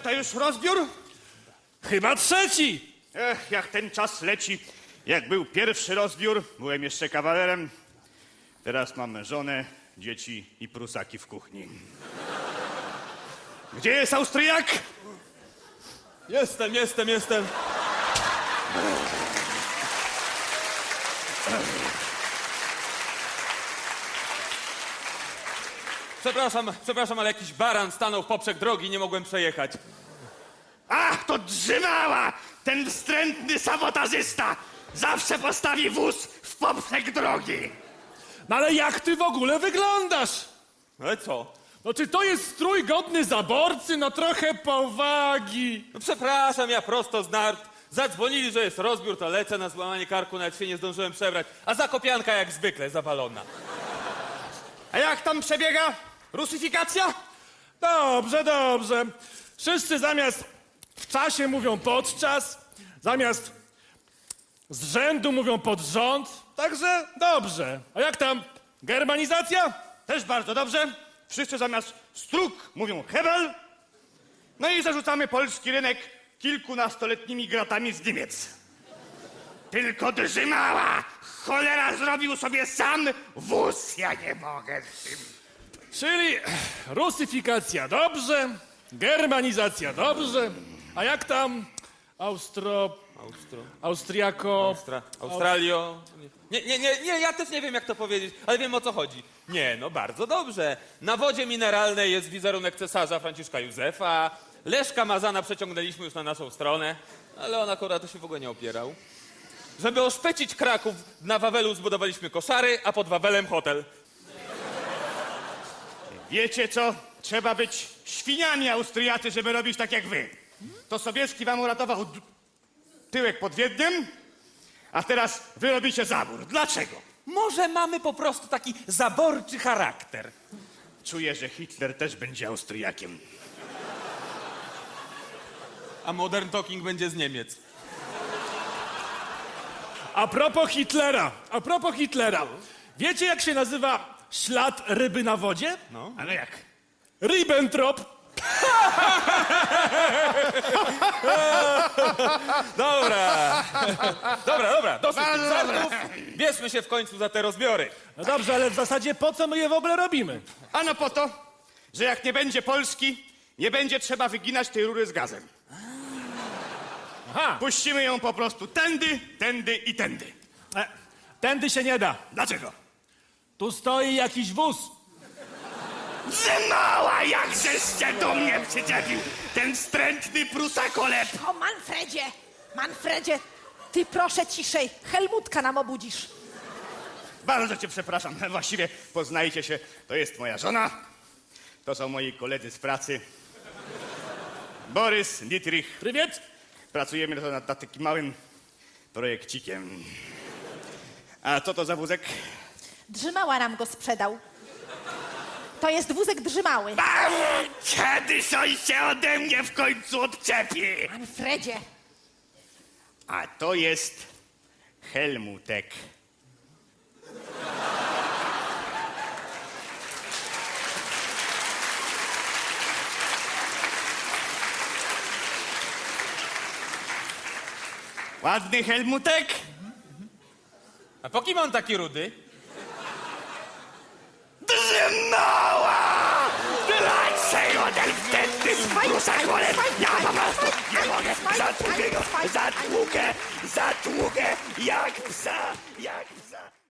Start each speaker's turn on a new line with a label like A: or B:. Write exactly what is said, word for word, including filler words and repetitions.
A: to już rozbiór?
B: Chyba trzeci.
A: Ech, jak ten czas leci. Jak był pierwszy rozbiór, byłem jeszcze kawalerem. Teraz mam żonę, dzieci i prusaki w kuchni. Gdzie jest Austriak?
B: Jestem, jestem, jestem. Przepraszam, przepraszam, ale jakiś baran stanął w poprzek drogi i nie mogłem przejechać.
A: Ach, to Drzymała! Ten wstrętny sabotażysta! Zawsze postawi wóz w poprzek drogi!
B: No ale jak ty w ogóle wyglądasz?
C: Ale co?
B: No czy to jest strój godny zaborcy? No trochę powagi.
C: No przepraszam, ja prosto z nart. Zadzwonili, że jest rozbiór, to lecę na złamanie karku, nawet się nie zdążyłem przebrać. A zakopianka jak zwykle zawalona.
A: A jak tam przebiega rusyfikacja?
B: Dobrze, dobrze. Wszyscy zamiast w czasie mówią podczas, zamiast z rzędu mówią pod rząd. Także dobrze. A jak tam germanizacja?
A: Też bardzo dobrze. Wszyscy zamiast struk mówią hebel. No i zarzucamy polski rynek kilkunastoletnimi gratami z Niemiec. Tylko Drzymała! Cholera, zrobił sobie sam wóz. Ja nie mogę z tym.
B: Czyli rusyfikacja dobrze, germanizacja dobrze. A jak tam Austro...
C: Austro...
B: Austriako...
C: Austra... Australio... Nie, nie, nie, nie, ja też nie wiem, jak to powiedzieć, ale wiem, o co chodzi. Nie, no bardzo dobrze. Na wodzie mineralnej jest wizerunek cesarza Franciszka Józefa. Leszka Mazana przeciągnęliśmy już na naszą stronę, ale on akurat to się w ogóle nie opierał. Żeby oszpecić Kraków, na Wawelu zbudowaliśmy koszary, a pod Wawelem hotel.
A: Wiecie co? Trzeba być świniami, Austriacy, żeby robić tak jak wy. To Sobieski wam uratował d- tyłek pod Wiedniem, a teraz wy robicie zabór. Dlaczego?
C: Może mamy po prostu taki zaborczy charakter.
A: Czuję, że Hitler też będzie Austriakiem.
C: A Modern Talking będzie z Niemiec.
B: A propos Hitlera, a propos Hitlera. Wiecie, jak się nazywa ślad ryby na wodzie?
C: No.
A: Ale jak?
B: Ribbentrop.
C: Dobra. Dobra, dobra, dosyć tych
A: Bardzo dobre.
C: żartów. Bierzmy się w końcu za te rozbiory.
B: No dobrze, ale w zasadzie po co my je w ogóle robimy?
A: Ano po to, że jak nie będzie Polski, nie będzie trzeba wyginać tej rury z gazem.
B: Aha,
A: Puścimy ją po prostu tędy, tędy i tędy.
B: e, tędy się nie da.
A: Dlaczego?
B: Tu stoi jakiś wóz.
A: Drzymała, jakżeś się do mnie przyczepił, ten wstrętny prusakolep.
D: O, Manfredzie! Manfredzie, ty proszę ciszej. Helmutka nam obudzisz.
A: Bardzo cię przepraszam, właściwie poznajcie się, to jest moja żona, to są moi koledzy z pracy. Borys, Dietrich,
B: Prywiet?
A: pracujemy nad, nad takim małym projekcikiem. A co to za wózek?
D: Drzymała nam go sprzedał. To jest wózek Drzymały.
A: A, kiedyś on się ode mnie w końcu odczepi.
D: Manfredzie,
A: A to jest Helmutek. Ładny Helmutek?
C: A po kim on taki rudy?
A: Drzymała! Dlaczego ten wtedy prusakolep? Ja po prostu nie mogę. Zatłukę go, zatłukę, zatłukę jak psa, jak psa.